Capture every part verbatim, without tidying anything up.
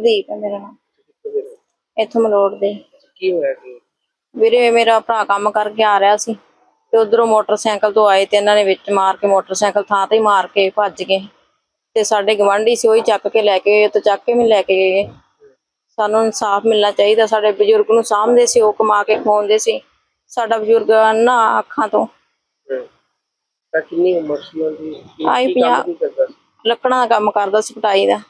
ਹਰਦੀਪ ਹੈ ਮੇਰਾ ਨਾਮ। ਇੱਥੋਂ ਮਲੋੜ ਦੇ। ਕੀ ਹੋਇਆ ਕੀ? ਵੀਰੇ ਮੇਰਾ ਭਰਾ ਕੰਮ ਕਰਕੇ ਆ ਰਿਹਾ ਸੀ ਤੇ ਉਧਰੋਂ ਮੋਟਰਸਾਈਕਲ ਤੋਂ ਆਏ ਤੇ ਇਹਨਾਂ ਨੇ ਵਿੱਚ ਮਾਰ ਕੇ ਮੋਟਰਸਾਈਕਲ ਥਾਂ ਤੇ ਹੀ ਮਾਰ ਕੇ ਭੱਜ ਗਏ ਤੇ ਸਾਡੇ ਗਵਾਂਢੀ ਸੀ ਉਹੀ ਚੱਕ ਕੇ ਲੈ ਕੇ ਤੇ ਚੱਕ ਕੇ ਵੀ ਲੈ ਕੇ ਗਏ। ਸਾਨੂੰ ਇਨਸਾਫ ਮਿਲਣਾ ਚਾਹੀਦਾ। ਸਾਡੇ ਬਜ਼ੁਰਗ ਨੂੰ ਸਾਂਭਦੇ ਸੀ, ਉਹ ਕਮਾ ਕੇ ਖਵਾਉਂਦੇ ਸੀ। ਸਾਡਾ ਬਜ਼ੁਰਗ ਨਾ ਅੱਖਾਂ ਤੋਂ। ਤਾਂ ਕਿੰਨੀ ਉਮਰ ਸੀ ਉਹਦੀ? ਆਈ ਕੀ ਕੰਮ ਕੀ ਕਰਦਾ ਸੀ? ਲੱਕੜਾਂ ਦਾ ਕੰਮ ਕਰਦਾ ਸੀ, ਪਟਾਈ ਦਾ।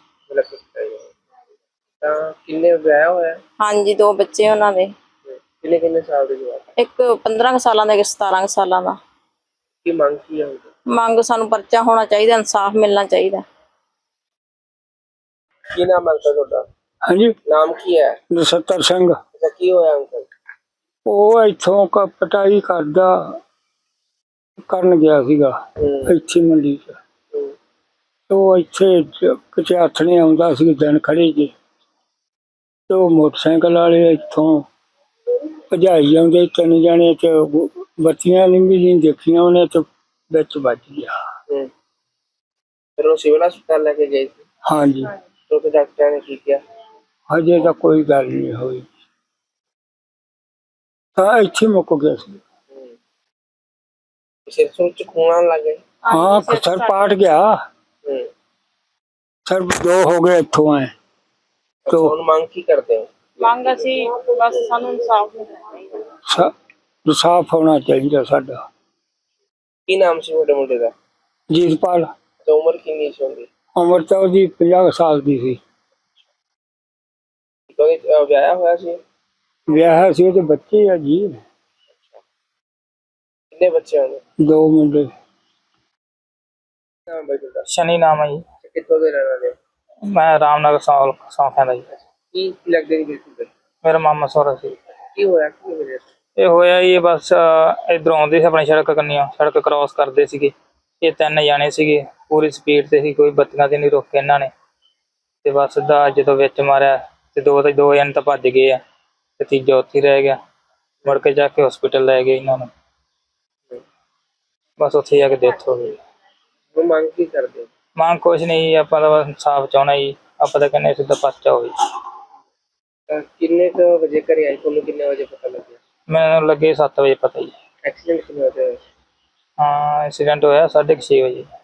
ਤਾਂ ਕਿੰਨੇ ਵਿਆਹ ਹੋਇਆ? ਹਾਂਜੀ, ਦੋ ਬੱਚੇ ਉਹਨਾਂ ਦੇ। ਕਿੰਨੇ ਕਿੰਨੇ ਸਾਲ ਦੇ ਜਵਾਕ? ਇੱਕ ਪੰਦਰਾਂ ਸਾਲਾਂ ਦਾ, ਇੱਕ ਸਤਾਰਾਂ ਸਾਲਾਂ ਦਾ। ਕੀ ਮੰਗ ਕੀ ਹੈ? ਮੰਗ ਸਾਨੂੰ ਪਰਚਾ ਹੋਣਾ ਚਾਹੀਦਾ, ਇਨਸਾਫ ਮਿਲਣਾ ਚਾਹੀਦਾ। ਕੀ ਨਾਮ ਹੈ ਤੁਹਾਡਾ? ਹਾਂਜੀ, ਨਾਮ ਕੀ ਹੈ? ਨਛੱਤਰ ਸਿੰਘ। ਅੱਛਾ, ਕੀ ਹੋਇਆ ਅੰਕਲ? ਉਹ ਇੱਥੋਂ ਕ ਪਟਾਈ ਕਰਦਾ ਕਰਨ ਗਿਆ ਸੀਗਾ ਇੱਥੇ ਮੰਡੀ ਚ। ਉਹ ਇੱਥੇ ਕਿਤੇ ਹੱਥ ਨਹੀਂ ਆਉਂਦਾ ਸੀ, ਦਿਨ ਖੜੇ ਜੇ ਤੇ ਉਹ ਮੋਟਰਸਾਈਕਲ ਵਾਲੇ ਇੱਥੋਂ ਭਜਾਈ ਜਾਂਦੇ ਤਿੰਨ ਜਾਣੇ ਤੇ ਬੱਤੀਆਂ ਵੀ ਨਹੀਂ ਦੇਖੀਆਂ ਉਹਨੇ ਤੇ ਵਿੱਚ ਵੱਜ ਗਿਆ। ਫਿਰ ਉਹ ਸਿਵਲ ਹਸਪਤਾਲ ਲੈ ਕੇ ਗਏ ਸੀ? ਹਾਂਜੀ। ਤੇ ਡਾਕਟਰਾਂ ਨੇ ਕੀ ਕਿਹਾ? ਹਜੇ ਤਾਂ ਕੋਈ ਗੱਲ ਨਹੀਂ ਹੋਈ, ਤਾਂ ਇੱਥੇ ਮੁੱਕ ਗਿਆ ਸੀ। ਸਿਰ ਸੁਰ ਚ ਖੂਨ ਆਉਣ ਲੱਗ ਗਿਆ? ਹਾਂ, ਸਰ ਪਾਟ ਗਿਆ। ਸਰ ਦੋ ਹੋ ਗਏ ਇੱਥੋਂ ਆਏ। तो ਹੁਣ ਮੰਗ ਕੀ ਕਰਦੇ ਹੋ? ਮੰਗ ਅਸੀਂ ਬਸ ਸਾਨੂੰ ਇਨਸਾਫ ਮਿਲਣਾ ਚਾਹੀਦਾ। ਇਨਸਾਫ ਹੋਣਾ ਚਾਹੀਦਾ ਸਾਡਾ। ਕੀ ਨਾਮ ਸੀ ਤੁਹਾਡੇ ਮੁੰਡੇ ਦਾ? ਜੀਤਪਾਲ। ਤੇ ਉਮਰ ਕਿੰਨੀ ਸੀ ਉਹਦੀ? ਉਮਰ ਤਾਂ ਉਹਦੀ ਪੰਜਾਹ ਸਾਲ ਦੀ ਸੀ। ਵਿਆਹਿਆ ਹੋਇਆ ਸੀ? ਵਿਆਹ ਸੀ, ਉਹਦੇ ਬੱਚੇ ਆ ਜੀ। ਕਿੰਨੇ ਬੱਚੇ ਹੋਣੇ? ਦੋ ਮੁੰਡੇ। ਨਾਮ ਹੈ ਤੁਹਾਡਾ? शनि नाम है जी। ਕਿੱਥੋਂ ਦੇ ਰਹਿਣ ਵਾਲੇ? मैं रामनगर सौ सौंखा ਦਾ ਜੀ। ਕੀ ਲੱਗਦੇ ਨਹੀਂ ਬਿਲਕੁਲ? ਮੇਰਾ ਮਾਮਾ ਸਹੁਰਾ ਸੀ। ਕੀ ਹੋਇਆ? ਕੀ ਵਜ੍ਹਾ ਸੀ? ਇਹ ਹੋਇਆ ਜੀ ਬਸ ਇਧਰੋਂ ਆਉਂਦੇ ਸੀ ਆਪਣੀ ਸੜਕ ਕੰਨੀਆਂ, ਸੜਕ ਕ੍ਰਾਸ ਕਰਦੇ ਸੀਗੇ। ਇਹ ਤਿੰਨ ਜਾਣੇ ਸੀਗੇ, ਪੂਰੀ ਸਪੀਡ ਤੇ ਸੀ, ਕੋਈ ਬੱਤੀਆਂ ਤੇ ਨਹੀਂ ਰੋਕੇ ਇਹਨਾਂ ਨੇ। ਤੇ ਬਸ ਦਾ ਜਦੋਂ ਵਿੱਚ ਮਾਰਿਆ ਤੇ ਦੋ ਤੇ ਦੋ ਜਣੇ ਤਾਂ ਭੱਜ ਗਏ ਆ ਤੇ ਤੀਜਾ ਉੱਥੇ ਰਹਿ ਗਿਆ। ਮੁੜ ਕੇ ਜਾ ਕੇ ਹਸਪੀਟਲ ਲੈ ਗਏ ਇਹਨਾਂ ਨੂੰ, ਬਸ ਉੱਥੇ ਜਾ ਕੇ ਡੈਥ ਹੋ ਗਈ। ਉਹ ਮੰਗ ਕੀ ਕਰਦੇ? ਮੰਗ ਕੁਛ ਨਹੀਂ, ਆਪਾਂ ਤਾਂ ਬਸ ਇਨਸਾਫ ਚਾਹੁੰਦਾ ਜੀ। ਆਪਾਂ ਤਾਂ ਕਹਿੰਦੇ ਸਿੱਧਾ ਪਰਚਾ ਹੋਵੇ। ਕਿੰਨੇ ਕੁ ਵਜੇ ਘਰੇ ਆਏ? ਤੁਹਾਨੂੰ ਕਿੰਨੇ ਵਜੇ ਪਤਾ ਲੱਗਿਆ? ਮੈਨੂੰ ਲੱਗੇ ਸੱਤ ਵਜੇ ਪਤਾ ਜੀ। ਐਕਸੀਡੈਂਟ ਕਿੰਨੇ ਵਜੇ ਹੋਇਆ? ਹਾਂ, ਐਕਸੀਡੈਂਟ ਹੋਇਆ ਸਾਢੇ ਕੁ ਛੇ ਵਜੇ।